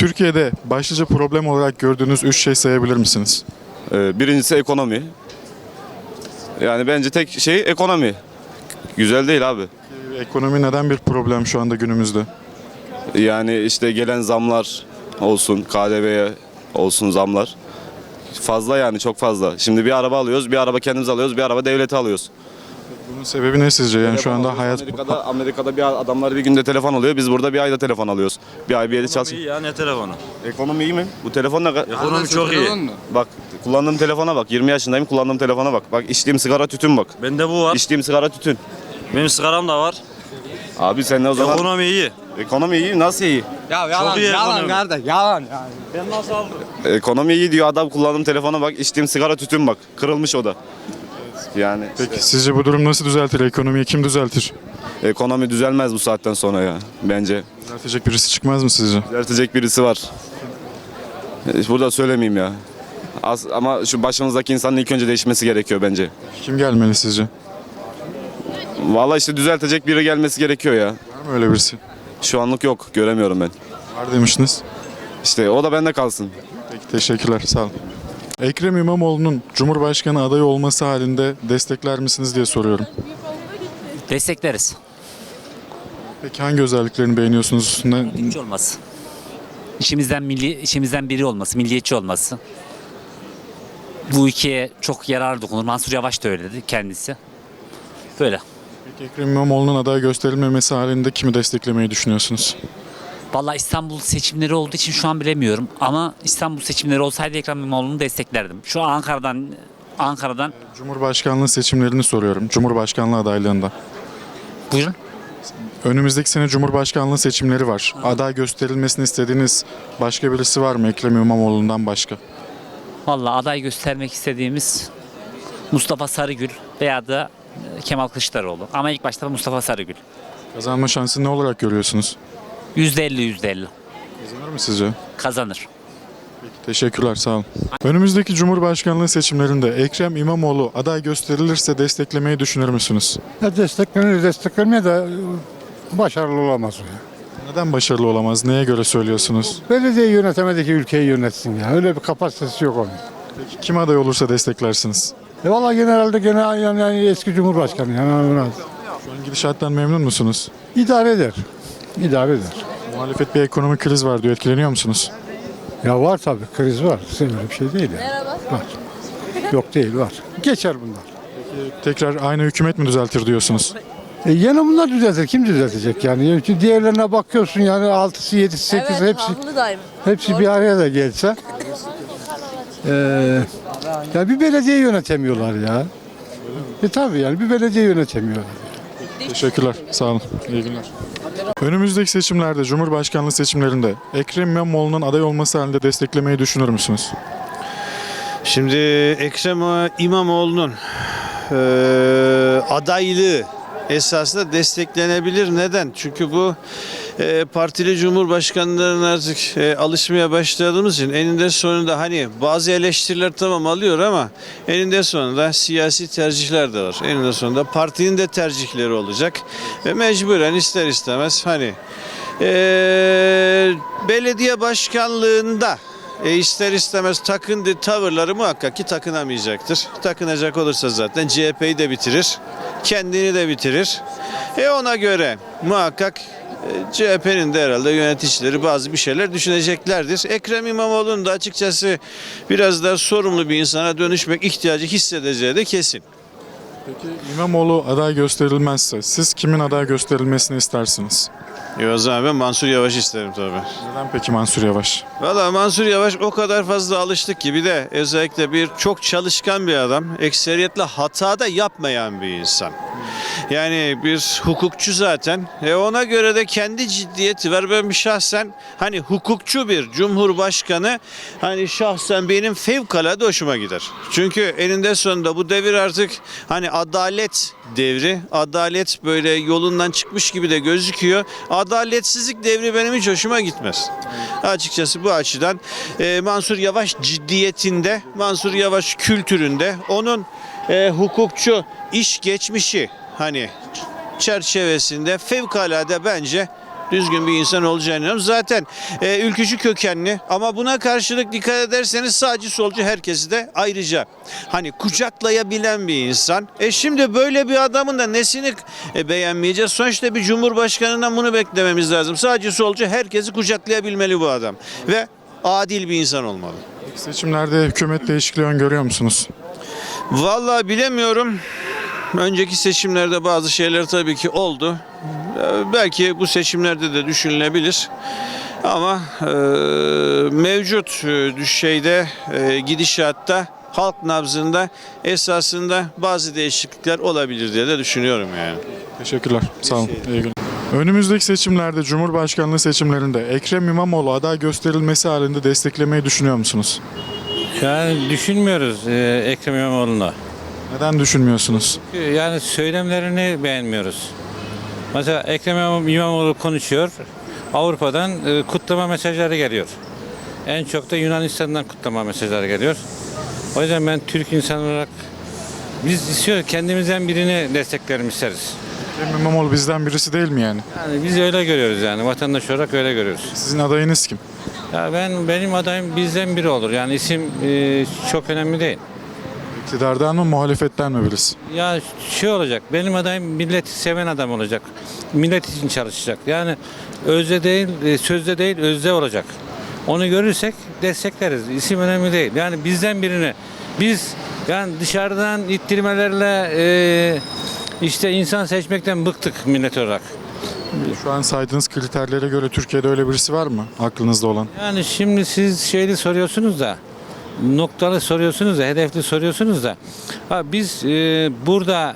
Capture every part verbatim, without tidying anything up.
Türkiye'de başlıca problem olarak gördüğünüz üç şey sayabilir misiniz? Ee, birincisi ekonomi. Yani bence tek şey ekonomi. Güzel değil abi. Ekonomi neden bir problem şu anda günümüzde? Yani işte gelen zamlar olsun, K D V'ye olsun zamlar. Fazla yani çok fazla. Şimdi bir araba alıyoruz, bir araba kendimiz alıyoruz, bir araba devlete alıyoruz. Bunun sebebi ne sizce? Yani şu Telefon anda alıyoruz. hayat... Amerika'da, Amerika'da bir adamlar bir günde telefon alıyor. Biz burada bir ayda telefon alıyoruz. Bir ay bir yeri Ekonomi çalışıyor. iyi ya, ne telefonu? Ekonomi iyi mi? Bu telefon ne? Ekonomi çok iyi. Bak kullandığım telefona bak. yirmi yaşındayım, kullandığım telefona bak. Bak içtiğim sigara tütün bak. Bende bu var. İçtiğim sigara tütün. Benim sigaram da var. Abi sen ne o zaman? Ekonomi iyi. Ekonomi iyi, nasıl iyi? Ya yalan, iyi yalan ekonomi. kardeş, yalan yani. Ben nasıl aldım? Ekonomi iyi diyor adam, kullandığım telefona bak, içtiğim sigara tütün bak. Kırılmış o da. Yani Peki sizce bu durum nasıl düzeltir? Ekonomiyi kim düzeltir? ekonomi düzelmez bu saatten sonra ya bence. Düzeltecek birisi çıkmaz mı sizce? Düzeltecek birisi var. E, Burada söylemeyeyim ya. Az, ama şu başımızdaki insanın ilk önce değişmesi gerekiyor bence. Kim gelmeli sizce? Vallahi işte düzeltecek biri gelmesi gerekiyor ya. Var mı öyle birisi? Şu anlık yok, göremiyorum ben. Var demiştiniz. İşte o da bende kalsın. Peki teşekkürler, sağ olun. Ekrem İmamoğlu'nun Cumhurbaşkanı adayı olması halinde destekler misiniz diye soruyorum. Destekleriz. Peki hangi özelliklerini beğeniyorsunuz üstünde? Milliyetçi olması. İşimizden milli, işimizden biri olması, milliyetçi olması. Bu ülkeye çok yarar dokunur. Mansur Yavaş da öyle dedi kendisi. Böyle. Peki Ekrem İmamoğlu'nun aday gösterilmemesi halinde kimi desteklemeyi düşünüyorsunuz? Vallahi İstanbul seçimleri olduğu için şu an bilemiyorum. Ama İstanbul seçimleri olsaydı Ekrem İmamoğlu'nu desteklerdim. Şu an Ankara'dan Ankara'dan Cumhurbaşkanlığı seçimlerini soruyorum. Cumhurbaşkanlığı adaylığında. buyurun. Önümüzdeki sene Cumhurbaşkanlığı seçimleri var. Aday gösterilmesini istediğiniz başka birisi var mı Ekrem İmamoğlu'ndan başka? Vallahi aday göstermek istediğimiz Mustafa Sarıgül veya da Kemal Kılıçdaroğlu. Ama ilk başta Mustafa Sarıgül. Kazanma şansı ne olarak görüyorsunuz? yüzde elli yüzde elli Kazanır mı sizce? kazanır. Teşekkürler, sağ olun. Önümüzdeki Cumhurbaşkanlığı seçimlerinde Ekrem İmamoğlu aday gösterilirse desteklemeyi düşünür müsünüz? Ya desteklenir, desteklenmeye de başarılı olamaz o ya. Neden başarılı olamaz? Neye göre söylüyorsunuz? Belediye yönetemedi ki ülkeyi yönetsin ya. Öyle bir kapasitesi yok onun. Peki kim aday olursa desteklersiniz? E valla genelde gene yani, yani eski Cumhurbaşkanı yani Şu an gidişattan memnun musunuz? idare eder. İdare eder. Muhalefet bir ekonomik kriz var diyor. Etkileniyor musunuz? Ya var tabii, kriz var. Öyle bir şey değil yani. Var. Yok değil, var. Geçer bunlar. Tekrar aynı hükümet mi düzeltir diyorsunuz? E yine bunlar düzeltir. Kim düzeltecek yani? Çünkü diğerlerine bakıyorsun yani altısı, yedisi, sekizi Evet, hepsi haklı daim. hepsi bir araya da gelse. E, ya bir belediye yönetemiyorlar ya. E tabii yani bir belediye yönetemiyorlar. Teşekkürler. Sağ olun. İyi günler. Önümüzdeki seçimlerde, Cumhurbaşkanlığı seçimlerinde Ekrem İmamoğlu'nun aday olması halinde desteklemeyi düşünür müsünüz? Şimdi Ekrem İmamoğlu'nun eee adaylığı esasında desteklenebilir. Neden? Çünkü bu e, partili cumhurbaşkanlarına artık e, alışmaya başladığımız için eninde sonunda hani bazı eleştiriler tamam alıyor ama eninde sonunda siyasi tercihler de var. Eninde sonunda partinin de tercihleri olacak ve mecburen ister istemez hani e, belediye başkanlığında E ister istemez takındığı tavırları muhakkak ki takınamayacaktır. Takınacak olursa zaten C H P'yi de bitirir, kendini de bitirir. E ona göre muhakkak e, C H P'nin de herhalde yöneticileri bazı bir şeyler düşüneceklerdir. Ekrem İmamoğlu'nun da açıkçası biraz daha sorumlu bir insana dönüşmek ihtiyacı hissedeceği de kesin. Peki İmamoğlu aday gösterilmezse siz kimin aday gösterilmesini istersiniz? E o zaman ben Mansur Yavaş isterim tabii. Neden peki Mansur Yavaş? Valla Mansur Yavaş o kadar fazla alıştık ki bir de özellikle bir çok çalışkan bir adam. Ekseriyetle hata da yapmayan bir insan. Yani bir hukukçu zaten. E ona göre de kendi ciddiyeti var. Ben bir şahsen hani hukukçu bir cumhurbaşkanı hani şahsen benim fevkalade hoşuma gider. Çünkü eninde sonunda bu devir artık hani adalet devri. Adalet böyle yolundan çıkmış gibi de gözüküyor. Adaletsizlik devri benim hiç hoşuma gitmez. Açıkçası bu açıdan e, Mansur Yavaş ciddiyetinde, Mansur Yavaş kültüründe, onun e, hukukçu iş geçmişi hani çerçevesinde fevkalade bence düzgün bir insan olacağını inanıyorum. Zaten e, ülkücü kökenli ama buna karşılık dikkat ederseniz sağcı solcu herkesi de ayrıca hani kucaklayabilen bir insan. E şimdi böyle bir adamın da nesini e, beğenmeyeceğiz? Sonuçta bir cumhurbaşkanından bunu beklememiz lazım. Sağcı solcu herkesi kucaklayabilmeli bu adam ve adil bir insan olmalı. Seçimlerde hükümet değişikliği öngörüyor musunuz? Vallahi bilemiyorum. Önceki seçimlerde bazı şeyler tabii ki oldu. Ee, Belki bu seçimlerde de düşünülebilir. Ama e, mevcut e, şeyde e, gidişatta halk nabzında esasında bazı değişiklikler olabilir diye de düşünüyorum yani. Teşekkürler. Sağ olun. İyi günler. Önümüzdeki seçimlerde Cumhurbaşkanlığı seçimlerinde Ekrem İmamoğlu aday gösterilmesi halinde desteklemeyi düşünüyor musunuz? Yani düşünmüyoruz e, Ekrem İmamoğlu'na. Neden düşünmüyorsunuz? Yani söylemlerini beğenmiyoruz. Mesela Ekrem İmamoğlu konuşuyor. Avrupa'dan e, kutlama mesajları geliyor. En çok da Yunanistan'dan kutlama mesajları geliyor. O yüzden ben Türk insan olarak biz istiyoruz kendimizden birini desteklerim isteriz. Ekrem İmamoğlu bizden birisi değil mi yani? Yani biz öyle görüyoruz yani vatandaş olarak öyle görüyoruz. Sizin adayınız kim? Ya ben benim adayım bizden biri olur. Yani isim e, çok önemli değil. İktidardan mı muhalefetten mi birisi? Ya şey olacak, benim adayım milleti seven adam olacak. Millet için çalışacak. Yani özde değil, e, sözde değil, özde olacak. Onu görürsek destekleriz. İsim önemli değil. Yani bizden birini, biz yani dışarıdan ittirmelerle e, işte insan seçmekten bıktık millet olarak. Şu an saydığınız kriterlere göre Türkiye'de öyle birisi var mı aklınızda olan? Yani şimdi siz şeyli soruyorsunuz da, noktalı soruyorsunuz da, hedefli soruyorsunuz da. Ha, biz e, burada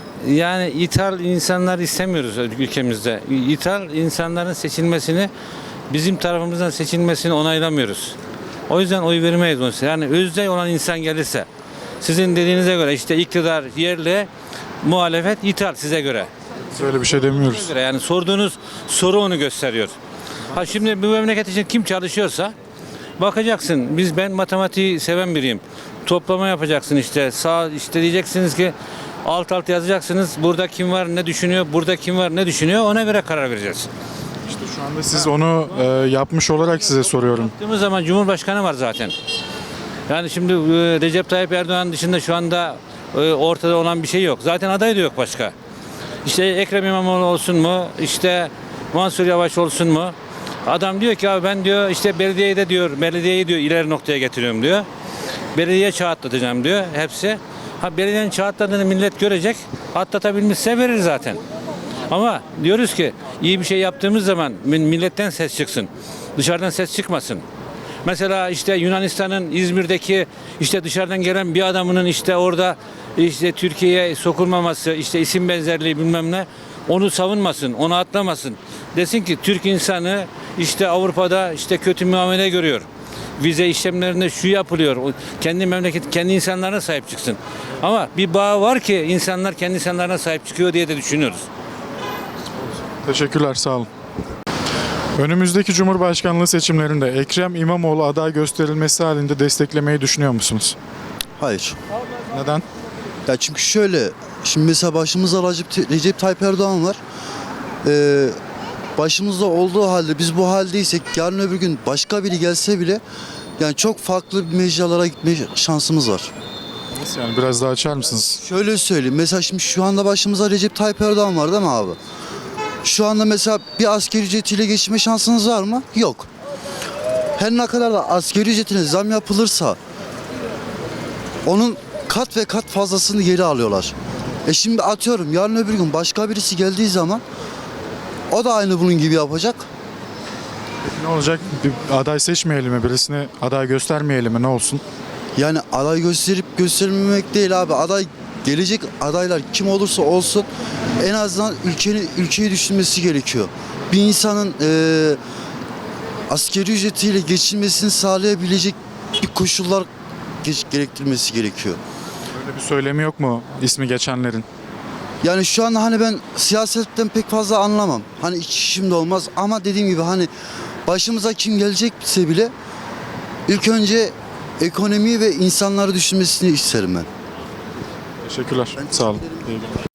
yani ithal insanlar istemiyoruz ülkemizde. İthal insanların seçilmesini, bizim tarafımızdan seçilmesini onaylamıyoruz. O yüzden oy vermeyiz onu. Yani özde olan insan gelirse, sizin dediğinize göre işte iktidar yerli, muhalefet ithal size göre. Biz öyle bir şey demiyoruz. göre yani sorduğunuz soru onu gösteriyor. Ha şimdi bu memleket için kim çalışıyorsa bakacaksın. Biz ben matematiği seven biriyim. Toplama yapacaksın işte. Sağ işte diyeceksiniz ki alt alt yazacaksınız. Burada kim var ne düşünüyor? Burada kim var ne düşünüyor? Ona göre karar vereceğiz. İşte şu anda siz onu e, yapmış olarak size soruyorum. Baktığımız zaman Cumhurbaşkanı var zaten. Yani şimdi e, Recep Tayyip Erdoğan dışında şu anda e, ortada olan bir şey yok. Zaten aday da yok başka. İşte Ekrem İmamoğlu olsun mu? İşte Mansur Yavaş olsun mu? Adam diyor ki abi ben diyor işte belediyeyi de diyor belediyeyi diyor ileri noktaya getiriyorum diyor. Belediye çağ atlatacağım diyor hepsi. Ha belediyenin çağ atladığını millet görecek. Atlatabilmişse verir zaten. Ama diyoruz ki iyi bir şey yaptığımız zaman milletten ses çıksın. Dışarıdan ses çıkmasın. Mesela işte Yunanistan'ın İzmir'deki işte dışarıdan gelen bir adamının işte orada işte Türkiye'ye sokulmaması, işte isim benzerliği bilmem ne onu savunmasın, onu atlamasın. Desin ki Türk insanı işte Avrupa'da işte kötü muamele görüyor. Vize işlemlerinde şu yapılıyor. Kendi memleket, kendi insanlarına sahip çıksın. Ama bir bağ var ki insanlar kendi insanlarına sahip çıkıyor diye de düşünüyoruz. Teşekkürler, sağ olun. Önümüzdeki Cumhurbaşkanlığı seçimlerinde Ekrem İmamoğlu aday gösterilmesi halinde desteklemeyi düşünüyor musunuz? Hayır. Neden? Ya çünkü şöyle, şimdi mesela başımızda Recep, Recep Tayyip Erdoğan var. Ee, başımızda olduğu halde biz bu haldeysek yarın öbür gün başka biri gelse bile yani çok farklı mecralara gitme şansımız var. Nasıl yani? Biraz daha açar mısınız? Şöyle söyleyeyim, mesela şimdi şu anda başımızda Recep Tayyip Erdoğan var değil mi abi? Şu anda mesela bir asgari ücretiyle geçinme şansınız var mı? Yok. Her ne kadar da asgari ücretine zam yapılırsa onun kat ve kat fazlasını geri alıyorlar. E şimdi atıyorum yarın öbür gün başka birisi geldiği zaman o da aynı bunun gibi yapacak. Peki ne olacak? Bir aday seçmeyelim mi? Birisini aday göstermeyelim mi? Ne olsun? Yani aday gösterip göstermemek değil abi. Aday gelecek adaylar kim olursa olsun en azından ülkenin ülkeyi düşünmesi gerekiyor. Bir insanın e, asgari ücretiyle geçinmesini sağlayabilecek bir koşullar geç, gerektirmesi gerekiyor. Öyle bir söylemi yok mu ismi geçenlerin? Yani şu anda hani ben siyasetten pek fazla anlamam. Hani iç işim de olmaz ama dediğim gibi hani başımıza kim gelecekse bile ilk önce ekonomiyi ve insanları düşünmesini isterim ben. Teşekkürler. Sağ olun. İyi günler.